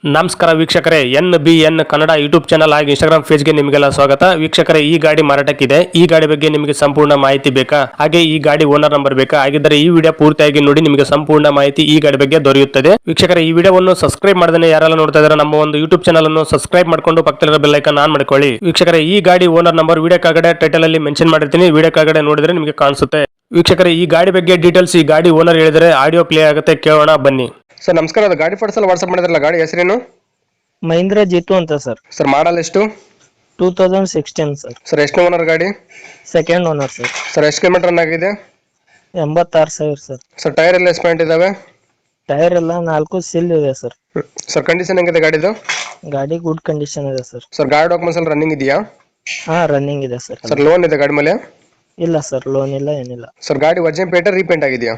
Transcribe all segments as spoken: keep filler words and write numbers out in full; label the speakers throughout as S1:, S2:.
S1: ನಮಸ್ಕಾರ ವೀಕ್ಷಕರೇ, N B N Kannada YouTube channel ಹಾಗೂ ಇನ್ಸ್ಟಾಗ್ರಾಮ್ ಪೇಜ್ಗೆ ನಿಮಗೆಲ್ಲ ಸ್ವಾಗತ. ವೀಕ್ಷಕರೇ, ಈ ಗಾಡಿ ಮಾರಾಟಕ್ಕಿದೆ. ಈ ಗಾಡಿ ಬಗ್ಗೆ ನಿಮಗೆ ಸಂಪೂರ್ಣ ಮಾಹಿತಿ ಬೇಕಾ? ಹಾಗೆ ಈ ಗಾಡಿ ಓನರ್ ನಂಬರ್ ಬೇಕಾ? ಹಾಗಿದ್ದರೆ ಈ ವಿಡಿಯೋ ಪೂರ್ತಿಯಾಗಿ ನೋಡಿ, ನಿಮಗೆ ಸಂಪೂರ್ಣ ಮಾಹಿತಿ ಈ ಗಾಡಿ ಬಗ್ಗೆ ದೊರೆಯುತ್ತದೆ. ವೀಕ್ಷಕರೇ, ಈ ವಿಡಿಯೋವನ್ನು ಸಬ್ಸ್ಕ್ರೈಬ್ ಮಾಡದೇ ಯಾರೆಲ್ಲ ನೋಡ್ತಾ ಇದ್ದಾರೆ ನಮ್ಮ ಒಂದು ಯೂಟ್ಯೂಬ್ ಚಾನಲ್ ಅನ್ನು ಸಬ್ಸ್ಕ್ರೈಬ್ ಮಾಡ್ಕೊಂಡು ಪಕ್ಕದಲ್ಲಿರೋ ಬೆಲ್ ಐಕಾನ್ ಆನ್ ಮಾಡ್ಕೊಳ್ಳಿ. ವೀಕ್ಷಕರೇ, ಈ ಗಾಡಿ ಓನರ್ ನಂಬರ್ ವಿಡಿಯೋ ಕೆಳಗಡೆ ಟೈಟಲ್ ಅಲ್ಲಿ ಮೆನ್ಷನ್ ಮಾಡಿರ್ತೀನಿ, ವಿಡಿಯೋ ಕೆಳಗಡೆ ನೋಡಿದ್ರೆ ನಿಮಗೆ ಕಾಣಿಸುತ್ತೆ. ವೀಕ್ಷಕರೇ, ಈ ಗಾಡಿ ಬಗ್ಗೆ ಡೀಟೇಲ್ಸ್ ಈ ಗಾಡಿ ಓನರ್ ಹೇಳಿದರೆ ಆಡಿಯೋ ಪ್ಲೇ ಆಗುತ್ತೆ, ಕೇಳೋಣ ಬನ್ನಿ. ಸರ್ ನಮಸ್ಕಾರ, ಅದು ಗಾಡಿ ಫೋಟೋಸ್ ಎಲ್ಲ ವಾಟ್ಸ್ಆಪ್ ಮಾಡಿದ್ರಲ್ಲ, ಗಾಡಿ ಹೆಸರೇನು?
S2: ಮಹೀಂದ್ರ ಜಿತು ಅಂತ ಸರ್.
S1: ಸರ್ ಮಾಡಲ್ ಎಷ್ಟು?
S2: Two thousand sixteen sir.
S1: Sir ಎಷ್ಟು ಓನರ್ ಗಾಡಿ?
S2: Second owner sir.
S1: ಸರ್ ಎಷ್ಟು ಕಿಲೋಮೀಟರ್ ರನ್ ಆಗಿದೆ?
S2: ಎಂಬತ್ತಾರು ಸಾವಿರ ಸರ್.
S1: ಸರ್ ಟೈರ್ ಎಲ್ಲ ಎಷ್ಟು ಪಾಯಿಂಟ್ ಇದಾವೆ?
S2: ಟೈರ್ ಎಲ್ಲ ನಾಲ್ಕು ಸಿಲ್ ಇದೆ ಸರ್.
S1: ಸರ್ ಕಂಡೀಷನ್ ಹೆಂಗಿದೆ ಗಾಡಿದು?
S2: ಗಾಡಿ ಗುಡ್ ಕಂಡೀಷನ್ ಇದೆ ಸರ್.
S1: ಸರ್ ಗಾಡಿ ಡಾಕ್ಯುಮೆಂಟ್ಸ್ ಎಲ್ಲ ರನ್ನಿಂಗ್ ಇದೆಯಾ?
S2: ಹಾ, ರನ್ನಿಂಗ್ ಇದೆ ಸರ್.
S1: ಸರ್ ಲೋನ್ ಇದೆ ಗಾಡಿ ಮೇಲೆ?
S2: ಇಲ್ಲ ಸರ್, ಲೋನ್ ಇಲ್ಲ, ಏನಿಲ್ಲ.
S1: ಸರ್ ಗಾಡಿ ವರ್ಜಿನ್ ಪೇಂಟ್ ರೀಪೇಂಟ್ ಆಗಿದೆಯಾ?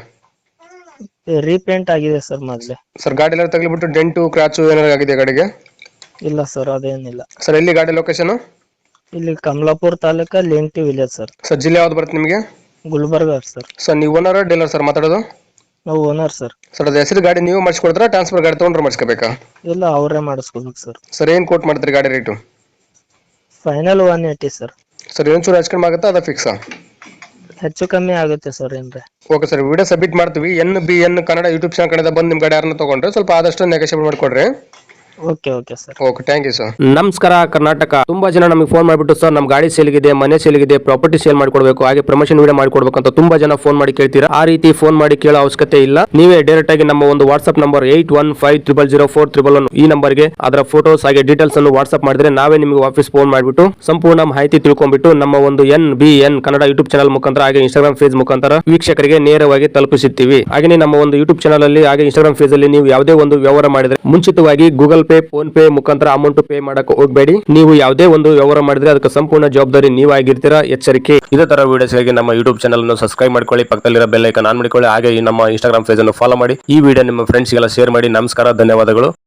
S2: ರೀಪೇಂಟ್ ಆಗಿದೆ ಸರ್ ಮೊದಲೇ.
S1: ಸರ್ ಗಾಡಿ ಎಲ್ಲ ತಗಲಿಬಿಟ್ಟು ಡೆಂಟು ಕ್ರಾಚು ಏನಾರು ಆಗಿದೆ ಗಾಡಿಗೆ?
S2: ಇಲ್ಲ ಸರ್, ಅದೇನಿಲ್ಲ.
S1: ಸರ್ ಎಲ್ಲಿ ಗಾಡಿ ಲೊಕೇಶನ್?
S2: ಇಲ್ಲಿ Kamalapura taluka Lenti village sir.
S1: Sir ಜಿಲ್ಲೆ ಯಾವ್ದು ಬರುತ್ತೆ ನಿಮಗೆ?
S2: ಗುಲ್ಬರ್ಗ ಸರ್.
S1: ಸರ್ ನೀವು ಓನರ್ ಡೀಲರ್ ಸರ್ ಮಾತಾಡೋದು?
S2: ನಾವು ಓನರ್ ಸರ್.
S1: ಸರ್ ಅದು ಹೆಸರು ಗಾಡಿ ನೀವು ಮಾಡಿಸ್ಕೊಡ್ತಾರಾ, ಟ್ರಾನ್ಸ್ಫರ್ ಗಾಡಿ ತೊಗೊಂಡ್ರೆ ಮಾಡಿಸ್ಕೋಬೇಕಾ?
S2: ಇಲ್ಲ, ಅವರೇ ಮಾಡಿಸ್ಕೋಬೇಕು ಸರ್.
S1: ಸರ್ ಏನು ಕೋಟ್ ಮಾಡ್ತೀರಿ ಗಾಡಿ rate?
S2: Final one eighty sir.
S1: Sir ಏನು ಹಚ್ಕೊಂಡು ಆಗುತ್ತಾ, ಅದ ಫಿಕ್ಸಾ?
S2: ಹೆಚ್ಚು ಕಮ್ಮಿ ಆಗುತ್ತೆ ಸರ್, ಏನ್ರೆ.
S1: ಓಕೆ ಸರ್, ವಿಡಿಯೋ ಸಬ್ಮಿಟ್ ಮಾಡ್ತೀವಿ. N B N Kannada YouTube channel ಕಡೆಯಿಂದ ಬಂದು ನಿಮ್ಮ ಗಾಡಿ ಯಾರನ್ನ ತೊಗೊಂಡ್ರೆ ಸ್ವಲ್ಪ ಆದಷ್ಟು ನೆಗೋಷಿಯೇಟ್ ಮಾಡಿಕೊಡ್ರಿ.
S2: Okay okay sir.
S1: Okay, thank you sir.
S3: ನಮಸ್ಕಾರ ಕರ್ನಾಟಕ. ತುಂಬಾ ಜನ ನಮಗೆ ಫೋನ್ ಮಾಡಿಬಿಟ್ಟು ಸರ್ ನಮ್ಮ ಗಾಡಿ ಸೇಲ್ಗಿದೆ, ಮನೆ ಸೇಲ್ಗಿದೆ, ಪ್ರಾಪರ್ಟಿ ಸೇಲ್ ಮಾಡಿಕೊಡ್ಬೇಕು, ಹಾಗೆ ಪ್ರಮೋಷನ್ ವಿಡಿಯೋ ಮಾಡಿಕೊಡ್ಬೇಕು ಅಂತ ತುಂಬಾ ಜನ ಫೋನ್ ಮಾಡಿ ಕೇಳ್ತೀರಾ. ಆ ರೀತಿ ಫೋನ್ ಮಾಡಿ ಕೇಳೋ ಅವಶ್ಯಕತೆ ಇಲ್ಲ. ನೀವೇ ಡೈರೆಕ್ಟ್ ಆಗಿ ನಮ್ಮ ಒಂದು WhatsApp number eight one five triple zero four triple one ಈ ನಂಬರ್ಗೆ ಅದರ ಫೋಟೋಸ್ ಹಾಗೆ ಡೀಟೇಲ್ಸ್ ಅನ್ನು ವಾಟ್ಸ್ಆಪ್ ಮಾಡಿದ್ರೆ ನಾವೇ ನಿಮಗೆ ವಾಪಸ್ ಫೋನ್ ಮಾಡಿಬಿಟ್ಟು ಸಂಪೂರ್ಣ ಮಾಹಿತಿ ತಿಳ್ಕೊಂಡ್ಬಿಟ್ಟು ನಮ್ಮ ಒಂದು N B N Kannada YouTube channel ಮುಖಾಂತರ ಹಾಗೆ ಇನ್ಸ್ಟಾಗ್ರಾಮ್ ಪೇಜ್ ಮುಖಾಂತರ ವೀಕ್ಷಕರಿಗೆ ನೇರವಾಗಿ ತಲುಪಿಸುತ್ತೀವಿ. ಹಾಗೆ ನಮ್ಮ ಒಂದು ಯೂಟ್ಯೂಬ್ ಚಾನಲ್ ಅಲ್ಲಿ ಹಾಗೆ ಇನ್ಸ್ಟಾಗ್ರಾಮ್ ಪೇಜ್ ಅಲ್ಲಿ ನೀವು ಯಾವುದೇ ಒಂದು ವ್ಯವಹಾರ ಮಾಡಿದ್ರೆ ಮುಂಚಿತವಾಗಿ ಗೂಗಲ್ ಪೇ, ಫೋನ್ ಪೇ ಮುಖಾಂತರ ಅಮೌಂಟ್ ಪೇ ಮಾಡಕ್ಕೆ ಹೋಗಬೇಡಿ. ನೀವು ಯಾವುದೇ ಒಂದು ವ್ಯವಹಾರ ಮಾಡಿದ್ರೆ ಅದಕ್ಕೆ ಸಂಪೂರ್ಣ ಜವಾಬ್ದಾರಿ ನೀವಾಗಿರ್ತೀರಾ, ಎಚ್ಚರಿಕೆ. ಇದೇ ತರ ವಿಡಿಯೋಸ್ಗಾಗಿ ನಮ್ಮ ಯೂಟ್ಯೂಬ್ ಚಾನಲ್ ಅನ್ನು ಸಬ್ಸ್ಕ್ರೈಬ್ ಮಾಡ್ಕೊಳ್ಳಿ, ಪಕ್ಕದಲ್ಲಿರೋ ಬೆಲ್ ಐಕಾನ್ ಆನ್ ಮಾಡಿಕೊಳ್ಳಿ, ಹಾಗೆ ನಮ್ಮ ಇನ್ಸ್ಟಾಗ್ರಾಮ್ ಪೇಜ್ ಅನ್ನು ಫಾಲೋ ಮಾಡಿ. ಈ ವಿಡಿಯೋ ನಿಮ್ಮ ಫ್ರೆಂಡ್ಸ್ಗೆಲ್ಲ ಶೇರ್ ಮಾಡಿ. ನಮಸ್ಕಾರ, ಧನ್ಯವಾದಗಳು.